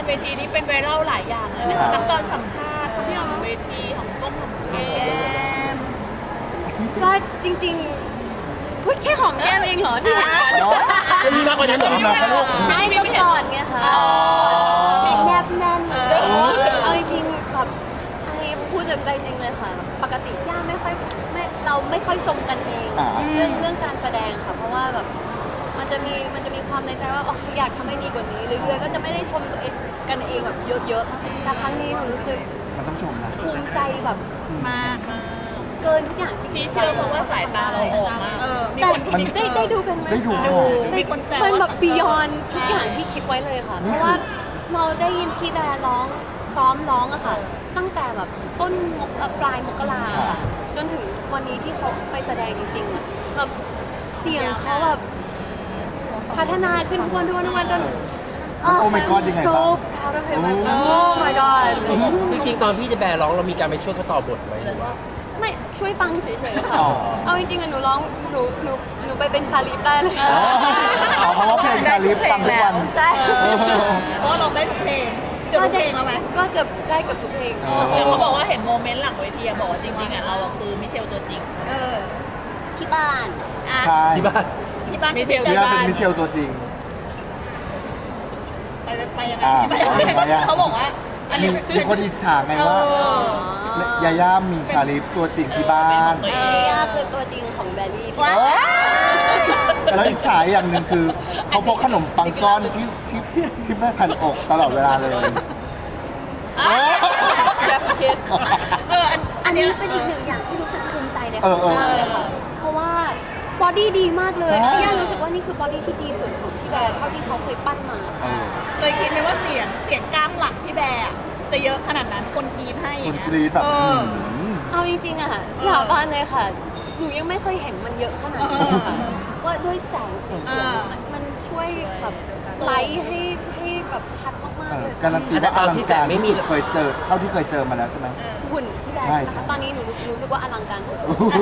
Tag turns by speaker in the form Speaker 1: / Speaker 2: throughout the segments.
Speaker 1: เวทีนี้เป็นไวรัลหลายอย่างเลยนะคะทั้งตอนสัมภาษณ์ทั้งหลังเวทีของก้มของแก้ม
Speaker 2: ก็จริงๆพูดแค่หอมแก้มเองเหรอที่เห็นกัน
Speaker 3: จะมีมากกว่านั้นเหรอ
Speaker 2: ไม่ก็ก่อนไงคะแนบแน่นเอาจริงๆแบบอันนี้พูดจากใจจริงเลยค่ะ ปกติย่าเราไม่ค่อยชมกันเองเรื่องการแสดงค่ะ เพราะว่าแบบมันจะมีความในใจว่าอยากทำให้ดีกว่านี้เรื่อยๆก็จะไม่ได้ชมตัวเองกันเองแบบเยอะๆแต่ครั้งนี้หนูรู้สึก
Speaker 4: มันต้องชมนะ
Speaker 2: ภูมิใจแบบ
Speaker 1: มาก
Speaker 2: เกินทุกอย่างที่
Speaker 1: พี่เชื่อเพราะว่าสายตาเราออกมาก
Speaker 2: แต่ได้ดูกันไหม
Speaker 4: ได้ดู
Speaker 2: คะ
Speaker 1: มีคนแซว
Speaker 2: มันแบบบียอนทุกอย่างที่คิดไว้เลยค่ะ เพราะว่าเราได้ยินพี่แบร์ร้องซ้อมร้องอะค่ะ ตั้งแต่แบบต้นปลายมกราค่ะจนถึงวันนี้ที่เขาไปแสดงจริงๆอะแบบเสียงเขาแบบพัฒนาขึ้นทุกวันจน
Speaker 4: โอ้ my god ยังไง
Speaker 2: so
Speaker 4: บ้าง
Speaker 2: proud of him oh my god
Speaker 3: จริงๆตอนพี่จะแบร์ร้องเรามีการไปช่วยเขาต่อบทไหมหรือว่า
Speaker 2: ไม่ช่วยฟังเฉยๆค่ะ
Speaker 4: อ๋อ
Speaker 2: เอาจริงๆอะหนูร้องหนูไปเป็นชาลีฟได้เลย
Speaker 4: เพราะว่าเพลงชาลิฟฟังทุกวัน
Speaker 2: ใช่
Speaker 1: เพราะว่าเราได้ทุกเพลงเกือบทุกเพลงแล้วไหม
Speaker 2: ก็เกือบได้เกือบทุกเพลง
Speaker 1: แต่เขาบอกว่าเห็นโมเมนต์หลังเวทีอะบอกว่าจริงๆอะเราอะคือมิเชลตัวจริง
Speaker 2: ที่บ้าน
Speaker 4: ใช่
Speaker 3: ที่บ้าน
Speaker 1: ที่บ้านมิเชล
Speaker 4: ที่นั่นเป็นมิเชลตัวจริง
Speaker 1: ไปยังไง
Speaker 4: อ่า
Speaker 1: ไปยังไง
Speaker 4: ไปยังไง
Speaker 1: เขาบอกว่าอันนี้
Speaker 4: มีคนอิจฉาไงว่า ยาย่ามีชาลิฟตัวจริงที่บ้าน
Speaker 1: เป็นของตัวเอง
Speaker 2: ย่าคือตัวจริงของแบลลี่ที่
Speaker 4: เอ้ยแล้วอิจฉาอย่างหนึ่งคือ เขาพกขนมปังก้อนที่ไม่พันอกตลอดเวลาเลย
Speaker 2: เชฟคิส
Speaker 1: เออ
Speaker 2: อันนี้เป็นอีกหนึ่งอย่างที่รู้สึกภูมิใจใน
Speaker 4: เอ
Speaker 2: เขา
Speaker 4: อ
Speaker 2: มากเลยค่ะ เพราะว่าบอดี้ดีมากเลย
Speaker 4: ใช่
Speaker 2: ย่ารู้สึกว่านี่คือบอดี้ที่ดีสุดของพี่แบร์เท่าที่เขาเคยปั้นมา
Speaker 4: เออ
Speaker 1: เคยคิดไหมว่าเสียงกล้ามหลังพี่แบร์อะจะเยอะขนาดนั้นคนกรีดให้อ
Speaker 4: คุ
Speaker 1: ย่า
Speaker 4: ณ
Speaker 1: งเงี้ย
Speaker 4: กรีดแบบ
Speaker 1: เออ
Speaker 2: เอาจริงๆอะค่ะหลาบ้านเลยค่ะ หนูยังไม่เคยเห็นมันเยอะขนาดนี้เลยค่ะ ว่าด้วยแสงสีเสียงมันช่วยแบบไลท์ให้แบบชัดมากๆเลย
Speaker 4: การันตีว่าอลังการที่สุดเคยเจอเท่าที่เคยเจอมาแล้วใช่ไหม
Speaker 2: หุ่นพี่แบร์
Speaker 4: ใช่
Speaker 2: ใช่ไหม
Speaker 4: ใช่
Speaker 2: คะตอนนี้หนูรู้สึกว่าอลังการสุด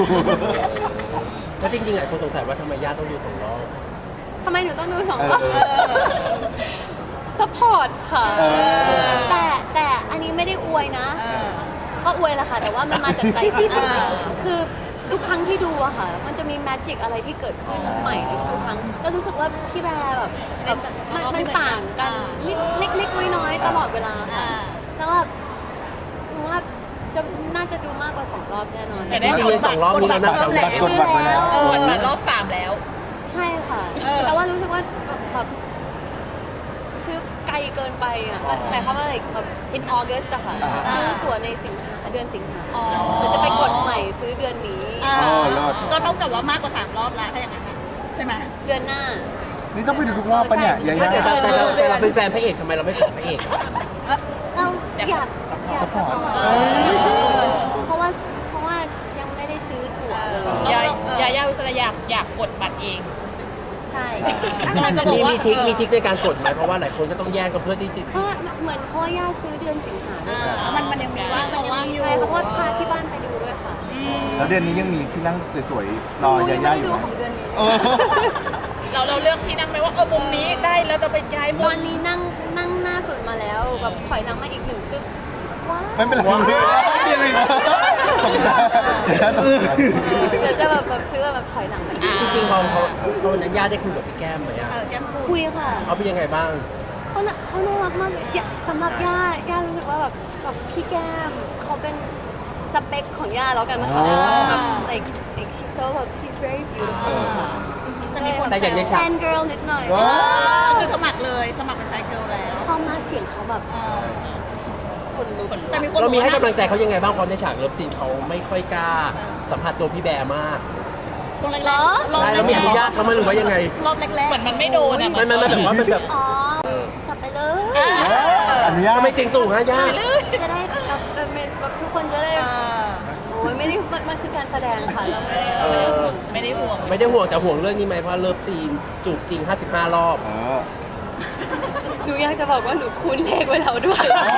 Speaker 3: แล้วจริงๆหลายคนสงสัยว่าทำไมญาติต้องดูสองรอบ
Speaker 2: ทำไมหนูต้องดูสอง
Speaker 4: เออ
Speaker 2: รอบสปอร์ตค่ะ
Speaker 4: เออ
Speaker 2: แต่อันนี้ไม่ได้อวยนะ ก็อวยแหละค่ะ แต่ว่ามันมาจากใจจริงคือทุกครั้งที่ดูอะค่ะ มันจะมีแมจิกอะไรที่เกิดขึ้นใหม่ในทุกครั้งแล้วรู้สึกว่าพี่แบร์แบบมันต่างกันนิดเล็กๆน้อยๆตลอดเวลาค่ะแล้วแบบหนูว่าน่าจะดูมากกว่า2 รอบแน่นอน
Speaker 1: แต่ได้
Speaker 3: จริงๆสองรอบนี้เรานับกัน
Speaker 4: กดบัตรไว้แล้ว
Speaker 1: กดบัตรรอบ 3 แล้ว
Speaker 2: ใช่ค่ะ แต่ว่ารู้สึกว่าแบบซื้อไกลเกินไปอ่ะหมายความว่าอะไรแบบ in August อะค่ะซื้อตั๋วในเดือนสิงหาเดี๋ยวจะไปกดใหม่ซื้อเดือนนี้
Speaker 4: รอด
Speaker 1: ก็เท่ากับว่ามากกว่า3 รอบแล้วถ้าอย่างนั้นนะใช่ไหม
Speaker 2: เดือนหน้า
Speaker 4: นี่ต้องไปดูทุกรอบปะเนี่ยยาย่า
Speaker 3: แต่เราเป็นแฟนพระเอกทำไมเราไม่ขอพระเอกอะ
Speaker 2: เราอยากสปอร์ตเพราะว่ายังไม่ได้ซื้อตั๋วเลย
Speaker 1: ยาอุสระอยากกดบัตรเอง
Speaker 2: ใช่
Speaker 3: มีทริคในการกดไหมเพราะว่าหลายคนก็ต้องแย่งกันเพื่อที่จะ
Speaker 2: เพราะเหมือนเพราะว่าย่าซื้อเดือนสิงหาด้วย
Speaker 1: มันยังมีว่าง
Speaker 2: มันยังมีใช่เพราะว่าพาที่บ้านไปดูด้วยค่ะ
Speaker 4: แล้วเดือนนี้ยังมีที่นั่งสวยๆรอ
Speaker 2: หนู
Speaker 4: ยา
Speaker 2: ยัง
Speaker 4: ย่า
Speaker 2: ไม่
Speaker 4: อ
Speaker 2: ได้
Speaker 4: ยู่
Speaker 2: ดู
Speaker 4: ไหม
Speaker 2: ของเดือนนี้
Speaker 4: เออ
Speaker 1: เราเลือกที่นั่งไหมว่ามุมนี้ได้แล้วเราไปย้ายมุ
Speaker 2: ต
Speaker 1: ม
Speaker 2: อนนี้นั่งหน้าสุดมาแล้วแบบถอยหลังมาอีก1 กึ๊บว้าว
Speaker 4: ไม่เป็นไรไม่เป็นไรตกใจตกใจ
Speaker 2: เดี๋ยวจะแบบซื้อแบบถอยหลังมาอีก
Speaker 3: จริงๆพอวันนั้นญาติได้คุยกับพี่แก้มไหมอะ
Speaker 1: แก้มปู
Speaker 2: คุยค่ะ
Speaker 3: เขาเป็นยังไงบ้าง
Speaker 2: เขาน่ารักมากเลยสำหรับย่ารู้สึกว่าแบบพี่แก้มเขาเป็นสเปคของย่าแล้วกันนะคะแบบ like she's so แบบ she's very beautiful ค่ะ
Speaker 3: แต่อย่างในฉาก
Speaker 2: แฟน girl นิดหน่อย
Speaker 1: คือสมัครเลยสมัครเป็นแฟนเกิร์ลแล้ว
Speaker 2: ชอบมากเสียงเขาแบบคนลุก
Speaker 1: แต่มีคน
Speaker 3: เรามีให้
Speaker 1: บอก
Speaker 3: กำ
Speaker 1: ว่า
Speaker 3: ลังใจเขายังไงบ้างเพราะในฉากเลิฟซีนเขาไม่ค่อยกล้าสัมผัสตัวพี่แบร์มาก
Speaker 1: ช่วงแรก
Speaker 2: เหรอ
Speaker 3: ได้แล้วมีอนุญาตเขาไหมหรือว่ายังไง
Speaker 1: รอบแรกๆเหมือนมันไม่โดนอ่ะ
Speaker 3: มันแบบว่ามันแบบ
Speaker 2: อ๋อจับไปเลย
Speaker 4: อนุญาต
Speaker 3: ทำไมเสียงสูงฮะญาติ
Speaker 2: จะได้แบบทุกคนจะได้โอ้ยไม่ได้มันคือการแสดงค่ะเราไม่ได้ห่วง
Speaker 1: ไม่ได้ห่วง
Speaker 3: ไม่ได้ห่วงแต่ห่วงเรื่องนี้ไหมเพราะเลิฟซีนจูบจริง 55 รอบ
Speaker 4: เออ
Speaker 2: หนูอยากจะบอกว่าหนูคูณเลขไว้แล้วด้วย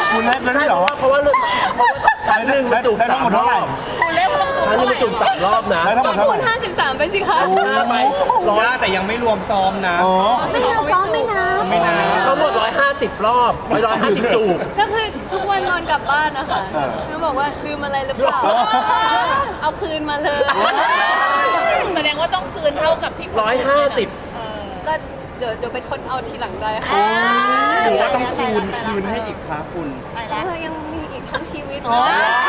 Speaker 4: คุณเล่นแล้ว
Speaker 3: ใช่
Speaker 4: นี่เหรอ
Speaker 3: เพราะว่าครั้งหนึ่งมันจูบ
Speaker 4: ได้ทั้งหมด
Speaker 3: 3 ร
Speaker 4: เท่าไหร่
Speaker 3: อบ
Speaker 1: คุณเล่นว่าต้องจูบ
Speaker 3: ครั้งหนึงมันจูบ3 รอบนะ
Speaker 4: ได้ทั้งหม
Speaker 2: ก็
Speaker 4: ดเท่าไห
Speaker 2: คู
Speaker 4: ร่
Speaker 2: ณ53ไปสิคะ
Speaker 3: 5ไป100
Speaker 5: แต่ยังไม่รวมซ้อมนะ
Speaker 4: อ๋อ
Speaker 2: ไม่เราซ้อมไม่นับ
Speaker 5: ไม่นาน
Speaker 3: ทั้งหมด150 รอบ150 จูบ
Speaker 2: ก็คือทุกวันนอนกลับบ้านนะคะ
Speaker 4: เออ
Speaker 2: เขาบอกว่าลืมอะไรหรือเปล่า เอาคืนมาเลย
Speaker 1: แสดงว่าต้องคืนเท่ากับที่คุณ
Speaker 3: 150
Speaker 2: ก็เดี๋ยวไปทดเอาทีหลังได้ค่ะ
Speaker 5: หรือว่าต้องคืนให้อีกครับคุณ
Speaker 1: ไปแล้ว
Speaker 2: ยังมีอีกทั้งชีวิต
Speaker 4: อ๋อ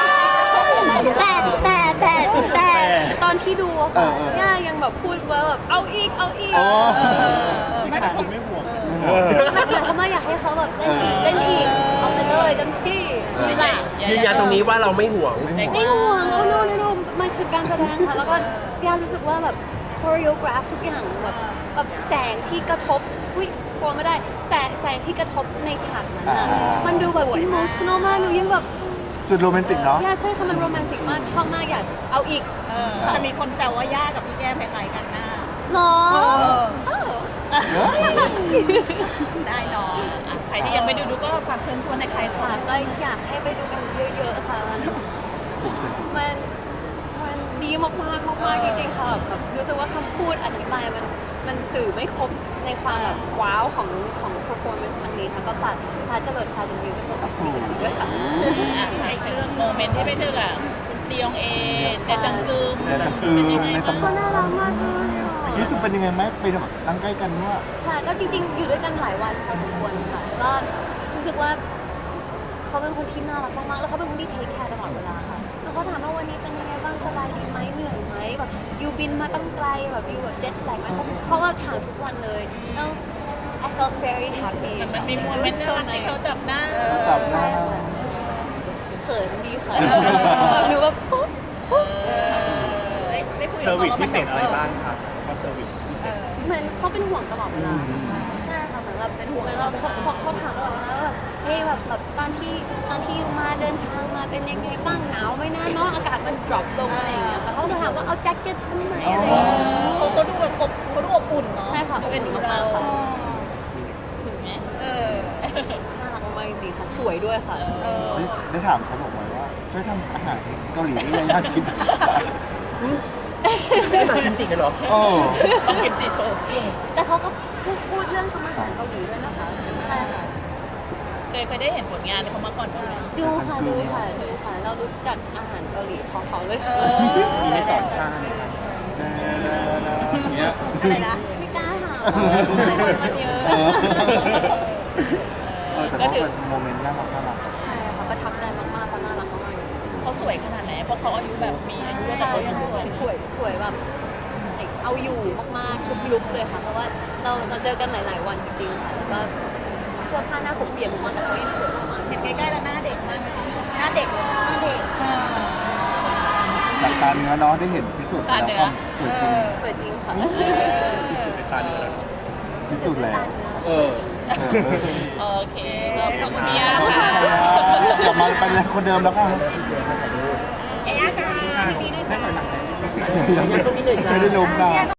Speaker 2: แต่ตอนที่ดูอะค่ะ
Speaker 4: เออ
Speaker 2: ย่ายังแบบพูดว่าแบบเอาอีก
Speaker 4: อ๋อ
Speaker 1: ไม่
Speaker 5: ขนาดคุณไม่ห่วง
Speaker 2: ไม่หมายความว่าอยากให้เขาแบบเล่นอีกเอาไปเลยเต็มที่
Speaker 1: ไม่ไหล
Speaker 3: ยืนยันตรงนี้ว่าเราไม่ห่วง
Speaker 2: ไม่ห่วงโอ้โนมันคือการแสดงค่ะ แล้วก็ย่ารู้สึกว่าแบบคอริโอกราฟทุกอย่างแบบแสงที่กระทบอุ้ยสปอยไม่ได้แสงที่กระทบในฉากนั้นอะมันดูแบบ emotional มากหนูยังแบบ
Speaker 4: สุดโรแมนติกเนาะ
Speaker 2: ย่าใช่ค่ะมันโรแมนติกมากชอบมากอยากเอาอีก
Speaker 1: แต่มีคนแซวว่าย่ากับพี่แก้มคล้ายๆกันหน้า
Speaker 2: หรอ
Speaker 1: ได้เนาะอ่ะใครที่ยังไม่ดูก็ฝากเชิญชวนในใคร
Speaker 2: ค่ะ
Speaker 1: ค่ะ
Speaker 2: ก็อยากให้ไปดูกันเยอะๆค่ะมันดีมากๆจริงๆค่ะแบบรู้สึกว่าคำพูดอธิบายมันสื่อไม่ครบในความแบบว้าวของ performance ครั้งนี้ค่ะก็ฝากฟ้าเจริญซาวด์มิวสิค2024ด้วยค่ะ
Speaker 1: อ่ะให้เรื่องโมเมนต์ที่ไปเจอกับคุณเตียงเอเจจังกึม
Speaker 4: เจจังกึม
Speaker 1: เป็นยังไง
Speaker 4: ใน
Speaker 1: บ้าง
Speaker 4: ตำ
Speaker 2: เขาน่ารักมากเลยอะ
Speaker 4: รู้สึกเป็นยังไงไหมไปแบบนั่งใกล้กันว่า
Speaker 2: ค่ะก็จริงๆ อยู่ด้วยกันหลายวันพอสมควรค่ะก็รู้สึกว่าเขาเป็นคนที่น่ารักมากๆแล้วเขาเป็นคนที่เทคแคร์ตลอดเวลาค่ะแล้วเขาถามว่าวันนี้เป็นยังไงบ้างสบายดีไหมเหนื่อยไหมแบบอยู่บินมาตั้งไกลแบบอยู่แบบเจ็ตแลกไหมเขาว่าถามทุกวันเลยแล้ว I felt very happy
Speaker 1: มันมีโมเมนต์น่ารักที่เขาจับหน้า
Speaker 4: จับห
Speaker 2: ใช่
Speaker 4: น้า
Speaker 2: ค่ะเขินดีค่ะแบบหนูแบบปุ๊บ
Speaker 1: ได้คุย
Speaker 5: เซอร์วิส
Speaker 1: กับขา
Speaker 5: พิเศษอะไรบ้างครับเขาเซอร์วิสพิเศษ
Speaker 2: เหมือนเขาเป็นห่วงตลอดเวลาใช่ค่ะเหมือนแบบเป็นห่วงแล้วเขาถามตลอดเวลาว่าแบบเฮ้ยแบบตอนที่อยู่มาเดินทางมาเป็นยังไงบ้างหนาวไหมนะเนาะอากาศมัน drop ลงอะไรอย่างเงี้ยค่ะเขาก็ถามว่าเอาแจ็คเก็ตฉันไหมอะไรอย่างเงี้ย
Speaker 1: เขาดูแบบเขาดูอบอุ่นเนาะ
Speaker 2: ใช่ค่ะ
Speaker 1: ดูเอ็นดู
Speaker 2: อบอุ่น
Speaker 1: เรา
Speaker 2: มากค่ะ
Speaker 1: ถึงไหม
Speaker 2: น่ารักมากจริงๆค่ะสวยด้วยค่ะ
Speaker 4: ได้ถามเขาบอกไว้ว่า ช่วยทำอาหารเกาหลีให้ยายากิน
Speaker 3: ไม่มากินจิกันเหรอ
Speaker 4: โอ้
Speaker 1: ต้องกินจีโชว์
Speaker 2: แต่เขาก็พูดเรื่องทำอาหารเกาหลีด้วยนะคะใช่ค่ะ
Speaker 1: เคยได้เห็นผลงานในเขามาก่อนบ้างไหม
Speaker 2: ดูค่ะเรารู้จักอาหารเกาหลีเพราะเขาเลย
Speaker 5: มีให้สอนท่าไหมครับอย่างเงี้ย
Speaker 1: อะไรนะ
Speaker 2: ไม่กล้าถามมันเยอะ
Speaker 4: แต่ก็เป็นโมเมนต์น่ารัก
Speaker 2: ใช่ค่ะประทับใจมากๆเขาน่ารักมากๆจริงๆ
Speaker 1: เขาสวยขนาดไหนเพราะเขาอายุแบบมีอายุแล้วแต่
Speaker 2: ใช่
Speaker 1: เขายังสวย
Speaker 2: สวยแบบเอาอยู่มากๆทุกลุคเลยค่ะ เพราะว่าเราเจอกันหลาย ๆ วันจริงๆค่ะแล้วก็เสื้อผ้าหน้าผมเปลี่ยนมากแต่เขายังสวยมากๆ
Speaker 1: เห็นใกล้ๆแล้วหน้าเด็กมากไหมคะหน้าเด็กเลย
Speaker 2: หน้าเด็ก
Speaker 4: ๆจากตาเนื้อเนาะได้เห็นพิสูจน์แล้วความสวยจริง
Speaker 2: สวยจริงค่ะ
Speaker 5: พิสูจน์ในตาเนื้อ
Speaker 4: พิสูจน์แล้ว
Speaker 2: สวยจริง
Speaker 1: โอเคขอบคุณพี่ยา
Speaker 4: ขอบคุณ
Speaker 1: ค่ะ
Speaker 4: ครับกลับมาเป็นคนเดิมแล้วค่ะ
Speaker 1: เอ๊ะจ้า
Speaker 5: ได้หน่อยหนัก
Speaker 3: ยังต้องนิดหน่อยจ้า
Speaker 4: ไม่ได้ล้มนะ